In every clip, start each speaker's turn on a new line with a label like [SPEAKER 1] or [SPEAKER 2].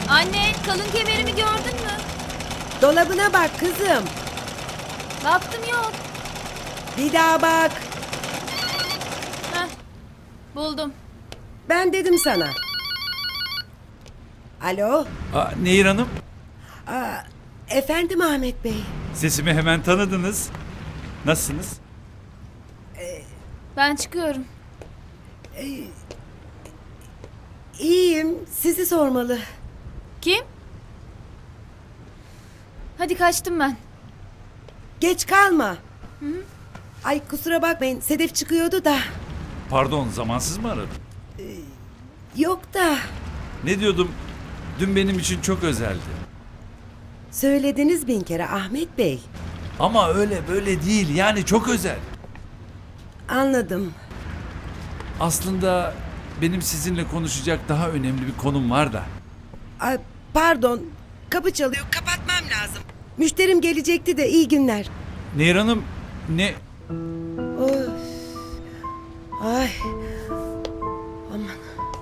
[SPEAKER 1] Anne, kalın kemerimi gördün mü?
[SPEAKER 2] Dolabına bak kızım.
[SPEAKER 1] Baktım yok.
[SPEAKER 2] Bir daha bak.
[SPEAKER 1] Heh, buldum.
[SPEAKER 2] Ben dedim sana. Alo.
[SPEAKER 3] Nehir Hanım,
[SPEAKER 2] Efendim Ahmet Bey.
[SPEAKER 3] sesimi hemen tanıdınız. Nasılsınız?
[SPEAKER 1] Ben çıkıyorum.
[SPEAKER 2] İyiyim. Sizi sormalı.
[SPEAKER 1] Kim? Hadi kaçtım ben.
[SPEAKER 2] Geç kalma. Ay kusura bakmayın. Sedef çıkıyordu da.
[SPEAKER 3] Pardon, zamansız mı aradım?
[SPEAKER 2] Yok da.
[SPEAKER 3] Ne diyordum? Dün benim için çok özeldi.
[SPEAKER 2] Söylediniz bin kere Ahmet Bey.
[SPEAKER 3] Ama öyle böyle değil, yani çok özel.
[SPEAKER 2] Anladım.
[SPEAKER 3] Aslında benim sizinle konuşacak daha önemli bir konum var da.
[SPEAKER 2] Ay, pardon. Kapı çalıyor. Kapatmam lazım. Müşterim gelecekti de iyi günler.
[SPEAKER 3] Nehir Hanım, ne...
[SPEAKER 2] Of. Ay. Aman.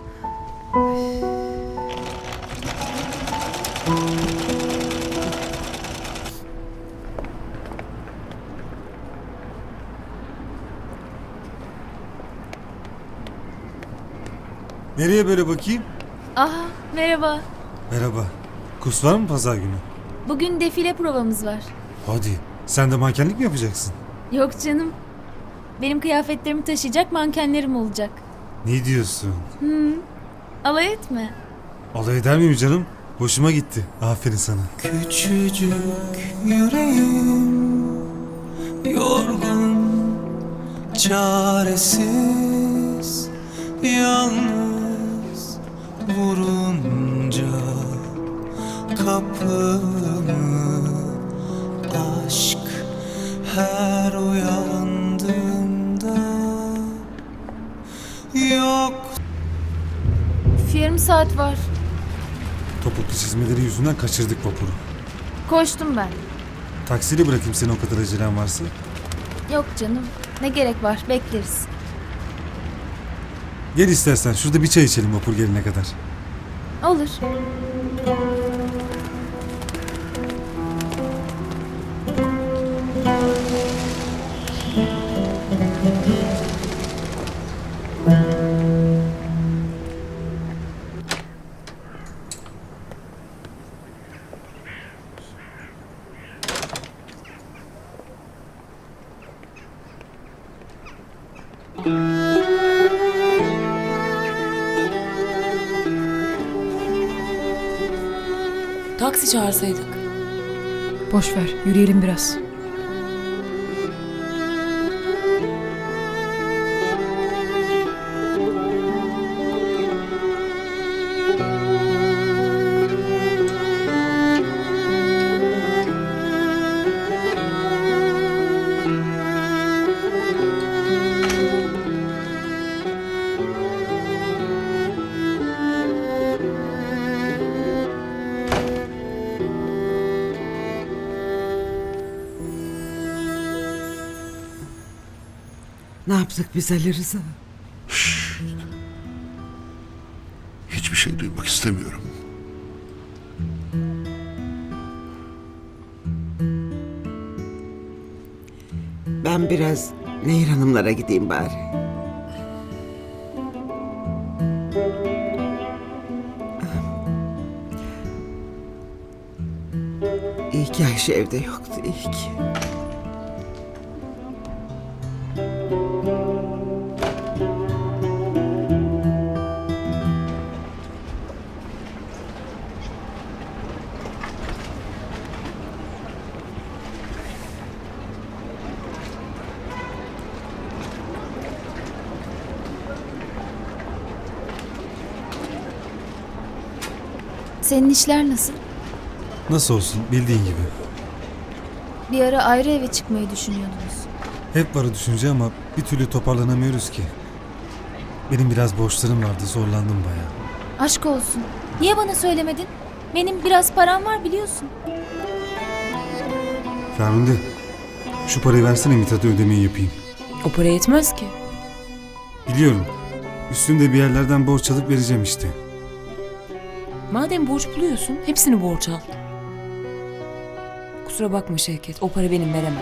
[SPEAKER 4] Nereye böyle bakayım?
[SPEAKER 1] Aha, merhaba.
[SPEAKER 4] Merhaba. Kurs var mı pazar günü?
[SPEAKER 1] Bugün defile provamız var.
[SPEAKER 4] Hadi. Sen de mankenlik mi yapacaksın?
[SPEAKER 1] Yok canım. Benim kıyafetlerimi taşıyacak mankenlerim olacak.
[SPEAKER 4] Ne diyorsun?
[SPEAKER 1] Alay etme.
[SPEAKER 4] Alay eder miyim canım? Hoşuma gitti. Aferin sana.
[SPEAKER 5] Küçücük yüreğim yorgun, çaresiz, yalnız vurunca kapımı aşk her uyandığımda yok.
[SPEAKER 1] Yarım saat var.
[SPEAKER 4] Topuklu çizmeleri yüzünden kaçırdık vapuru.
[SPEAKER 1] Koştum ben.
[SPEAKER 4] Taksiyle bırakayım seni o kadar acelen varsa.
[SPEAKER 1] Yok canım. Ne gerek var? Bekleriz.
[SPEAKER 4] Gel istersen şurada bir çay içelim vapur gelene kadar.
[SPEAKER 1] Olur.
[SPEAKER 6] Taksi çağırsaydık.
[SPEAKER 7] Boş ver, yürüyelim biraz.
[SPEAKER 2] Ne yaptık biz Ali Rıza?
[SPEAKER 8] Hiçbir şey duymak istemiyorum.
[SPEAKER 2] Ben biraz Nehir Hanımlara gideyim bari. İyi ki Ayşe evde yoktu, iyi ki.
[SPEAKER 1] Senin işler nasıl?
[SPEAKER 4] Nasıl olsun bildiğin gibi.
[SPEAKER 1] Bir ara ayrı eve çıkmayı düşünüyordunuz.
[SPEAKER 4] Hep varı düşünce ama bir türlü toparlanamıyoruz ki. Benim biraz borçlarım vardı, zorlandım bayağı.
[SPEAKER 1] Aşk olsun. Niye bana söylemedin? Benim biraz param var biliyorsun.
[SPEAKER 4] Ferhunde, şu parayı versene Mithat'a ödemeyi yapayım.
[SPEAKER 6] O para yetmez ki.
[SPEAKER 4] Biliyorum. Üstümde bir yerlerden borç alıp vereceğim işte.
[SPEAKER 6] Madem borç buluyorsun hepsini borç al. Kusura bakma Şevket, o para benim, veremem.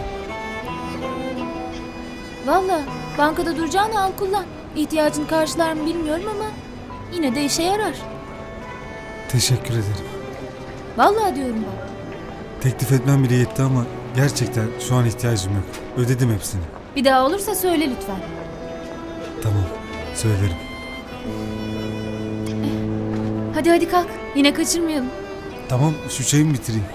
[SPEAKER 1] Valla bankada duracağını al kullan. İhtiyacını karşılar mı bilmiyorum ama yine de işe yarar.
[SPEAKER 4] Teşekkür ederim.
[SPEAKER 1] Vallahi diyorum bak.
[SPEAKER 4] Teklif etmem bile yetti ama gerçekten şu an ihtiyacım yok. Ödedim hepsini.
[SPEAKER 1] Bir daha olursa söyle lütfen.
[SPEAKER 4] Tamam, söylerim.
[SPEAKER 1] Hadi kalk. Yine kaçırmayalım.
[SPEAKER 4] Tamam, şu çayımı bitireyim.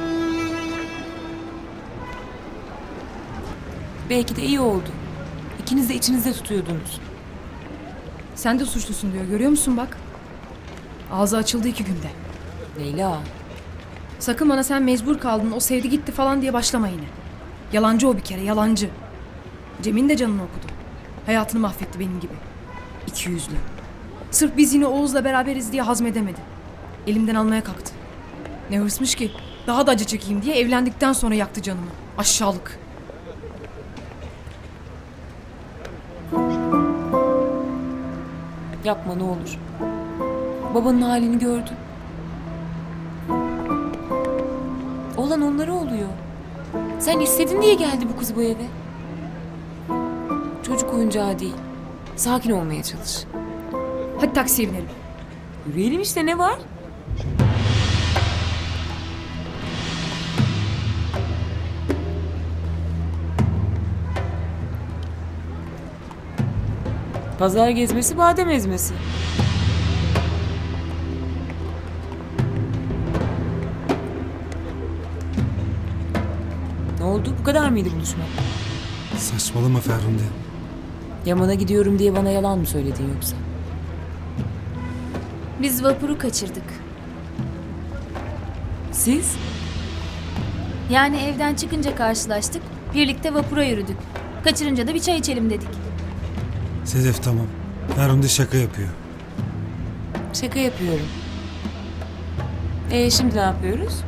[SPEAKER 6] Belki de iyi oldu. İkiniz de içinizde tutuyordunuz.
[SPEAKER 7] Sen de suçlusun diyor. Görüyor musun bak? Ağzı açıldı 2 günde.
[SPEAKER 6] Leyla,
[SPEAKER 7] Sakın bana sen mecbur kaldın, o sevdi gitti falan diye başlama yine. Yalancı o bir kere, yalancı. Cem'in de canını okudu. Hayatını mahvetti benim gibi. İkiyüzlü. Sırf biz yine Oğuz'la beraberiz diye hazmedemedi. Elimden almaya kalktı. Ne hırsmış ki? Daha da acı çekeyim diye evlendikten sonra yaktı canımı. Aşağılık.
[SPEAKER 6] yapma ne olur. Babanın halini gördün. Olan onlara oluyor. Sen istedin diye geldi bu kız bu eve. Çocuk oyuncağı değil. Sakin olmaya çalış.
[SPEAKER 7] Hadi taksiye binelim.
[SPEAKER 6] Yürüyelim işte, ne var? Pazar gezmesi, badem ezmesi. Ne oldu? Bu kadar mıydı buluşma?
[SPEAKER 4] Saçmalama Ferhunde.
[SPEAKER 6] Yaman'a gidiyorum diye bana yalan mı söyledin yoksa?
[SPEAKER 1] Biz vapuru kaçırdık.
[SPEAKER 6] Siz?
[SPEAKER 1] Yani evden çıkınca karşılaştık. Birlikte vapura yürüdük. Kaçırınca da bir çay içelim dedik.
[SPEAKER 4] Sedef tamam. Ferhunde şaka yapıyor.
[SPEAKER 6] Şaka yapıyorum. Şimdi ne yapıyoruz?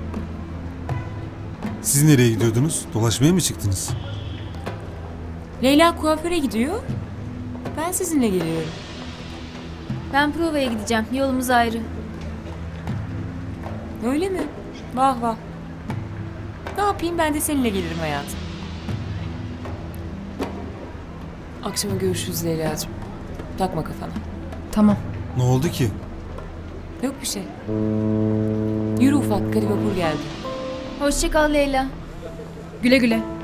[SPEAKER 4] Siz nereye gidiyordunuz? Dolaşmaya mı çıktınız?
[SPEAKER 6] Leyla kuaföre gidiyor. Ben sizinle geliyorum.
[SPEAKER 1] Ben provaya gideceğim. Yolumuz ayrı.
[SPEAKER 6] Öyle mi? Vah vah. Ne yapayım, ben de seninle gelirim hayatım. Akşama görüşürüz Leyla'cığım. Takma kafana.
[SPEAKER 7] Tamam.
[SPEAKER 4] Ne oldu ki?
[SPEAKER 6] Yok bir şey. Yürü ufak, hadi vapur geldi.
[SPEAKER 1] Hoşça kal Leyla.
[SPEAKER 7] Güle güle.